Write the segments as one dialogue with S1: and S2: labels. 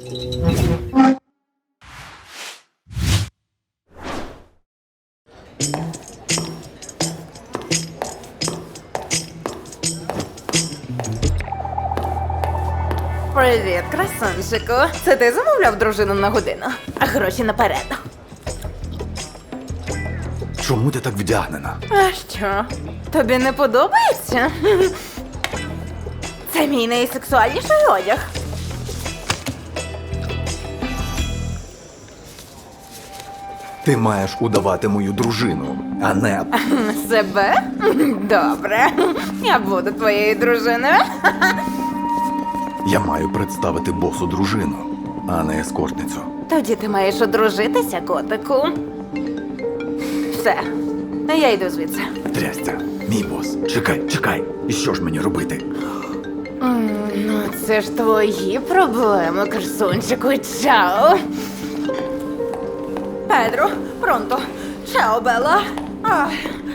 S1: Привіт, красунчику. Це ти замовляв дружину на годину? А гроші наперед.
S2: Чому ти так вдягнена?
S1: А що? Тобі не подобається? Це мій найсексуальніший одяг.
S2: Ти маєш удавати мою дружину, а не...
S1: Себе? Добре. Я буду твоєю дружиною.
S2: Я маю представити босу дружину, а не ескортницю.
S1: Тоді ти маєш одружитися, котику. Все. Я йду звідси.
S2: Трястя, мій бос. Чекай. І що ж мені робити?
S1: Ну, це ж твої проблеми, красунчику. Чао. Педро, пронто. Чао, Белла. Ах.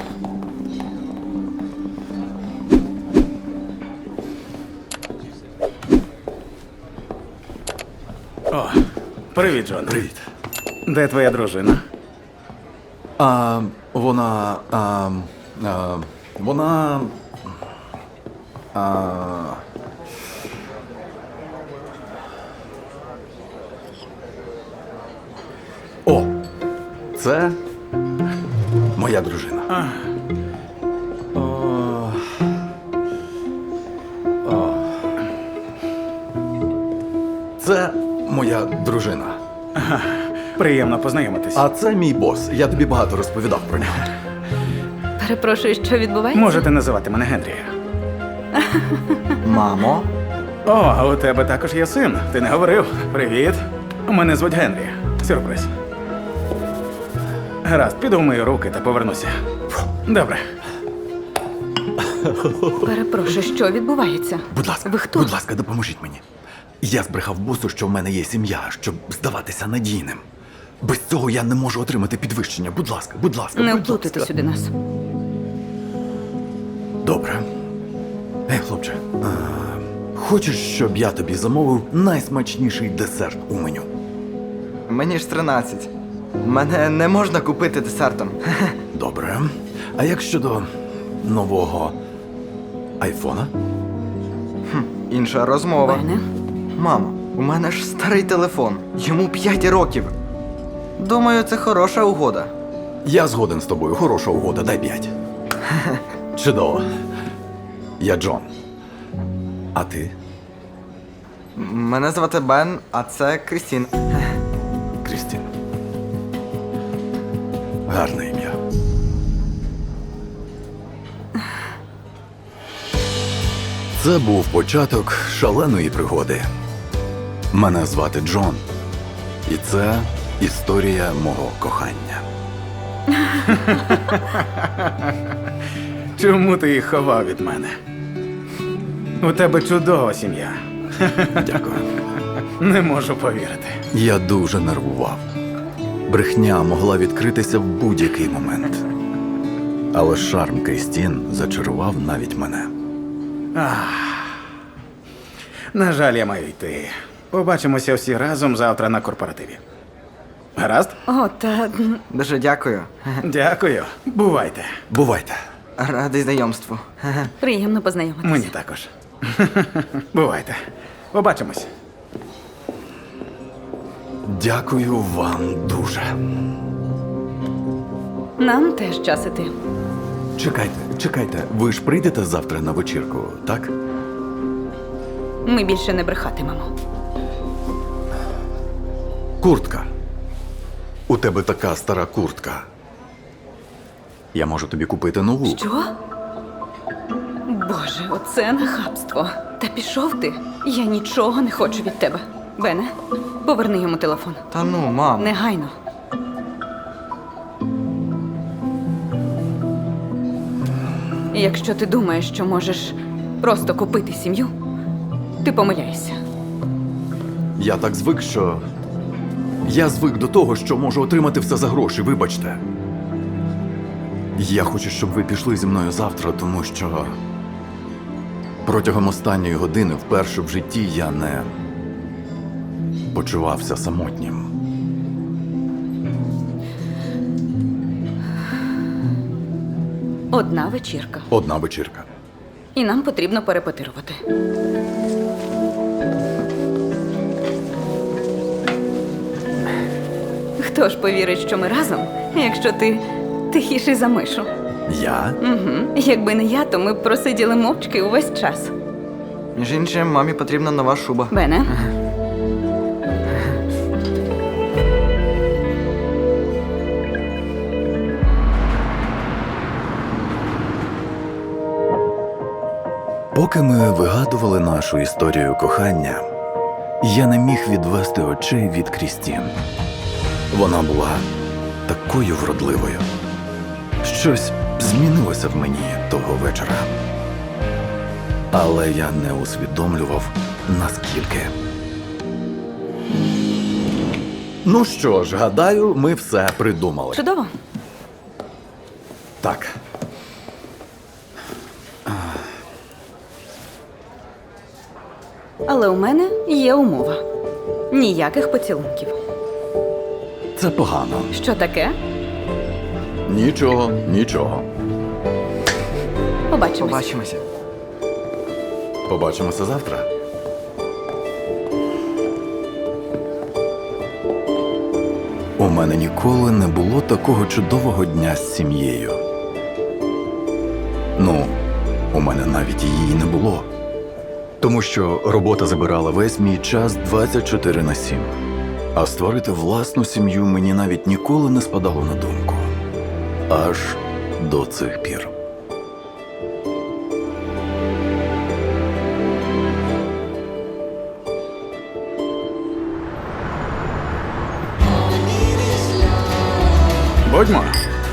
S3: О, привіт, Джон.
S2: Привіт.
S3: Де твоя дружина?
S2: Вона... О! Це моя дружина. Це моя дружина.
S3: Приємно познайомитись.
S2: А це мій бос. Я тобі багато розповідав про нього.
S1: Перепрошую, що відбувається?
S3: Можете називати мене Генрі.
S2: Мамо?
S3: О, у тебе також є син. Ти не говорив. Привіт. Мене звуть Генрі. Сюрприз. Гаразд, піду вмию руки та повернуся. Добре.
S1: Перепрошую, що відбувається?
S2: Будь ласка,
S1: Ви хто?
S2: будь ласка, допоможіть мені. Я збрехав босу, що в мене є сім'я, щоб здаватися надійним. Без цього я не можу отримати підвищення. Будь ласка,
S1: Не
S2: будь
S1: вплутайте
S2: ласка.
S1: сюди нас.
S2: Добре. Ей, хлопче, хочеш, щоб я тобі замовив найсмачніший десерт у меню?
S4: Мені ж 13. Мене не можна купити десертом.
S2: Добре. А як щодо нового айфона?
S4: Інша розмова.
S1: Бене?
S4: Мамо, у мене ж старий телефон. Йому 5 років. Думаю, це хороша угода.
S2: Я згоден з тобою. Хороша угода, дай 5. Чудово. Я Джон. А ти?
S4: Мене звати Бен, а це Крістін.
S2: Крістін. Гарне ім'я. Це був початок шаленої пригоди. Мене звати Джон. І це історія мого кохання.
S3: Чому ти їх ховав від мене? У тебе чудова сім'я.
S2: Дякую.
S3: Не можу повірити.
S2: Я дуже нервував. Брехня могла відкритися в будь-який момент. Але шарм Крістін зачарував навіть мене.
S3: На жаль, я маю йти. Побачимося всі разом завтра на корпоративі. Гаразд?
S1: О, та...
S4: Дуже дякую.
S3: Дякую. Бувайте.
S2: Бувайте.
S4: Радий знайомству.
S1: Приємно познайомитися.
S3: Мені також. Бувайте. Побачимось.
S2: Дякую вам дуже.
S1: Нам теж час іти.
S2: Чекайте. Ви ж прийдете завтра на вечірку, так?
S1: Ми більше не брехатимемо.
S2: Куртка. У тебе така стара куртка. Я можу тобі купити нову.
S1: Що? Боже, оце нахабство. Та пішов ти. Я нічого не хочу від тебе. Бене, поверни йому телефон.
S4: Та ну, мам.
S1: Негайно. Якщо ти думаєш, що можеш просто купити сім'ю, ти помиляєшся.
S2: Я так звик, що... Я звик до того, що можу отримати все за гроші, вибачте. Я хочу, щоб ви пішли зі мною завтра, тому що... Протягом останньої години вперше в житті я не почувався самотнім.
S1: Одна вечірка.
S2: Одна вечірка.
S1: І нам потрібно перепетирувати. Хто ж повірить, що ми разом, якщо ти тихіший за мишу?
S2: Я?
S1: Угу. Якби не я, то ми б просиділи мовчки увесь час.
S4: Між іншим, мамі потрібна нова шуба.
S1: Бене?
S2: Поки ми вигадували нашу історію кохання, я не міг відвести очей від Крістін. Вона була такою вродливою. Щось змінилося в мені того вечора. Але я не усвідомлював, наскільки. Ну що ж, гадаю, ми все придумали.
S1: Чудово.
S2: Так.
S1: Але у мене є умова. Ніяких поцілунків.
S2: Це погано.
S1: Що таке?
S2: Нічого, нічого.
S1: Побачимось.
S4: Побачимося.
S2: Побачимося завтра. У мене ніколи не було такого чудового дня з сім'єю. Ну, у мене навіть її не було. Тому що робота забирала весь мій час 24/7. А створити власну сім'ю мені навіть ніколи не спадало на думку. Аж до цих пір.
S3: Будьмо.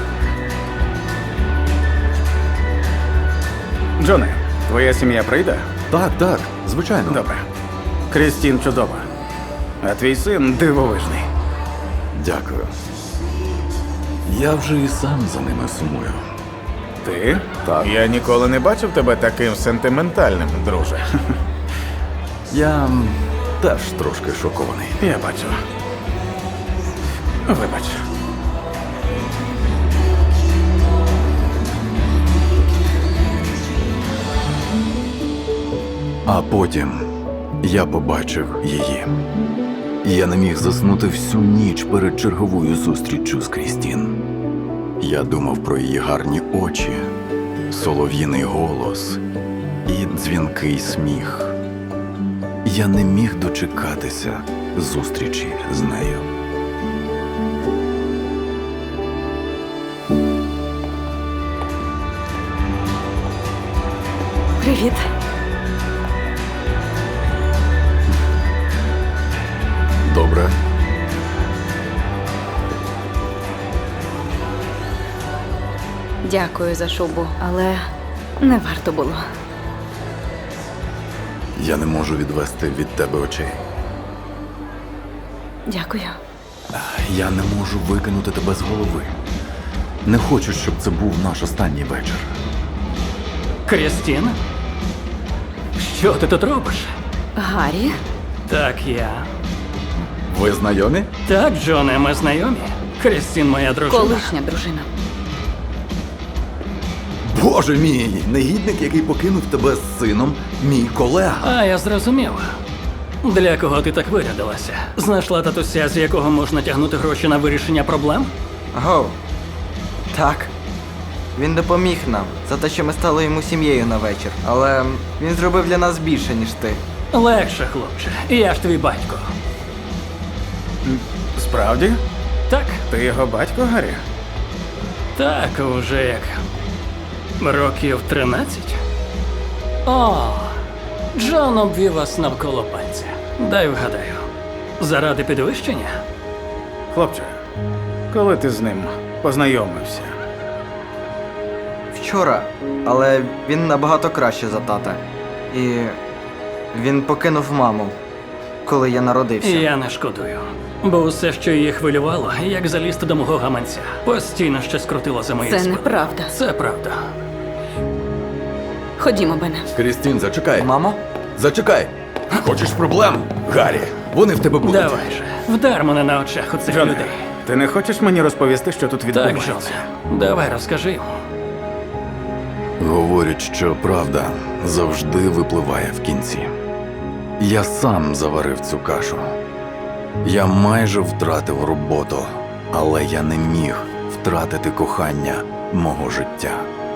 S3: Джоне, твоя сім'я прийде?
S2: Так, так, звичайно.
S3: Добре. Крістін чудова. А твій син дивовижний.
S2: Дякую. Я вже і сам за ними сумую.
S3: Ти?
S2: Так.
S3: Я ніколи не бачив тебе таким сентиментальним, друже.
S2: Я теж трошки шокований.
S3: Я бачу. Вибач.
S2: А потім я побачив її. Я не міг заснути всю ніч перед черговою зустріччю з Крістін. Я думав про її гарні очі, солов'їний голос і дзвінкий сміх. Я не міг дочекатися зустрічі з нею.
S1: Привіт.
S2: Добре.
S1: Дякую за шубу, але не варто було.
S2: Я не можу відвести від тебе очей.
S1: Дякую.
S2: Я не можу викинути тебе з голови. Не хочу, щоб це був наш останній вечір.
S5: Крістін? Що ти тут робиш?
S1: Гаррі?
S5: Так, я.
S2: Ви знайомі?
S5: Так, Джоне, ми знайомі. Крістін моя дружина.
S1: Колишня дружина.
S2: Боже мій, негідник, який покинув тебе з сином, мій колега.
S5: А, я зрозумів. Для кого ти так вирядилася? Знайшла татуся, з якого можна тягнути гроші на вирішення проблем?
S4: Гоу. Так. Він допоміг нам за те, що ми стали йому сім'єю на вечір. Але він зробив для нас більше, ніж ти.
S5: Легше, хлопче. Я ж твій батько.
S3: Справді?
S5: Так?
S3: Ти його батько, Гаррі?
S5: Так, уже як. Років 13? О, Джон обвів вас навколо пальця. Дай вгадаю. Заради підвищення?
S3: Хлопче, коли ти з ним познайомився?
S4: Вчора. Але він набагато краще за тата. І він покинув маму, коли я народився.
S5: Я не шкодую. Бо усе, що її хвилювало, як залізти до мого гаманця. Постійно щось крутило за мої
S1: Це
S5: спини.
S1: неправда.
S5: Це правда.
S1: Ходімо, Бене.
S2: Крістін, зачекай.
S4: Мамо?
S2: Зачекай. Хочеш проблем, Гаррі? Вони в тебе будуть.
S5: Давай же, вдар мене на очах у цих
S3: Джоне,
S5: людей.
S3: ти не хочеш мені розповісти, що тут
S5: Так,
S3: відбувається?
S5: Джоне, давай розкажи йому.
S2: Говорять, що правда завжди випливає в кінці. Я сам заварив цю кашу. Я майже втратив роботу, але я не міг втратити кохання мого життя.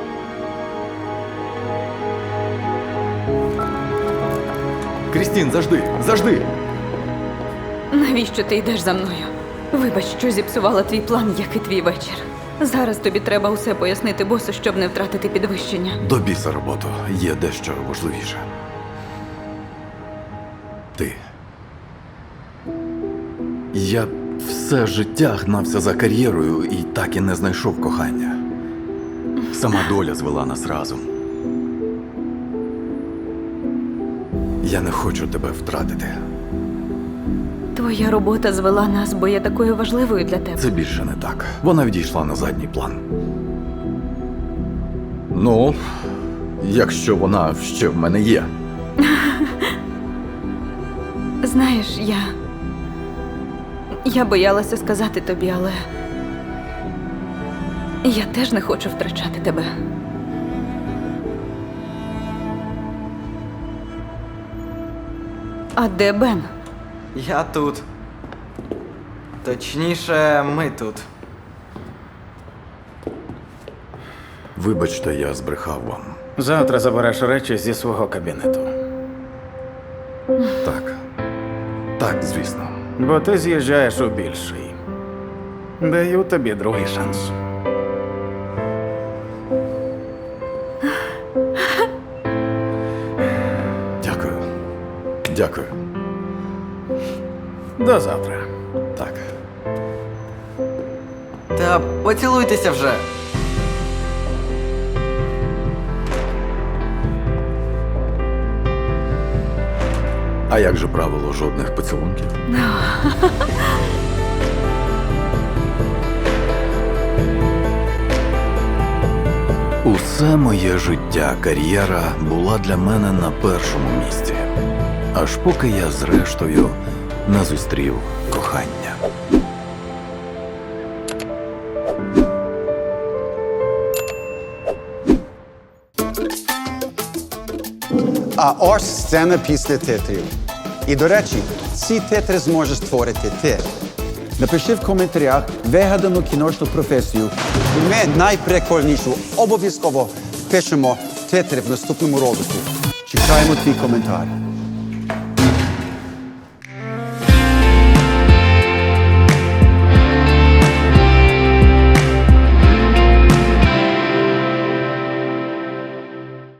S2: Крістін, завжди!
S1: Навіщо ти йдеш за мною? Вибач, що зіпсувала твій план, як і твій вечір. Зараз тобі треба усе пояснити босу, щоб не втратити підвищення.
S2: До біса роботу, є дещо важливіше. Ти. Я все життя гнався за кар'єрою і так і не знайшов кохання. Сама доля звела нас разом. Я не хочу тебе втратити.
S1: Твоя робота звела нас, бо є такою важливою для тебе.
S2: Це більше не так. Вона відійшла на задній план. Ну, якщо вона ще в мене є.
S1: Знаєш, я боялася сказати тобі, але я теж не хочу втрачати тебе. А де Бен?
S4: Я тут. Точніше, ми тут.
S2: Вибачте, я збрехав вам.
S3: Завтра забереш речі зі свого кабінету.
S2: Так. Так, звісно.
S3: Бо ти з'їжджаєш у більший. Даю тобі другий шанс.
S2: Дякую. Дякую.
S3: До завтра.
S2: Так.
S4: Та поцілуйтеся вже.
S2: А як же правило жодних поцілунків? Усе моє життя, кар'єра була для мене на першому місці. Аж поки я зрештою не зустрів кохання.
S6: А ось сцена після титрів. І, до речі, ці титри зможеш створити ти. Напиши в коментарях вигадану кіношну професію. І ми найприкольнішу обов'язково пишемо титри в наступному ролику. Чекаємо твій коментар.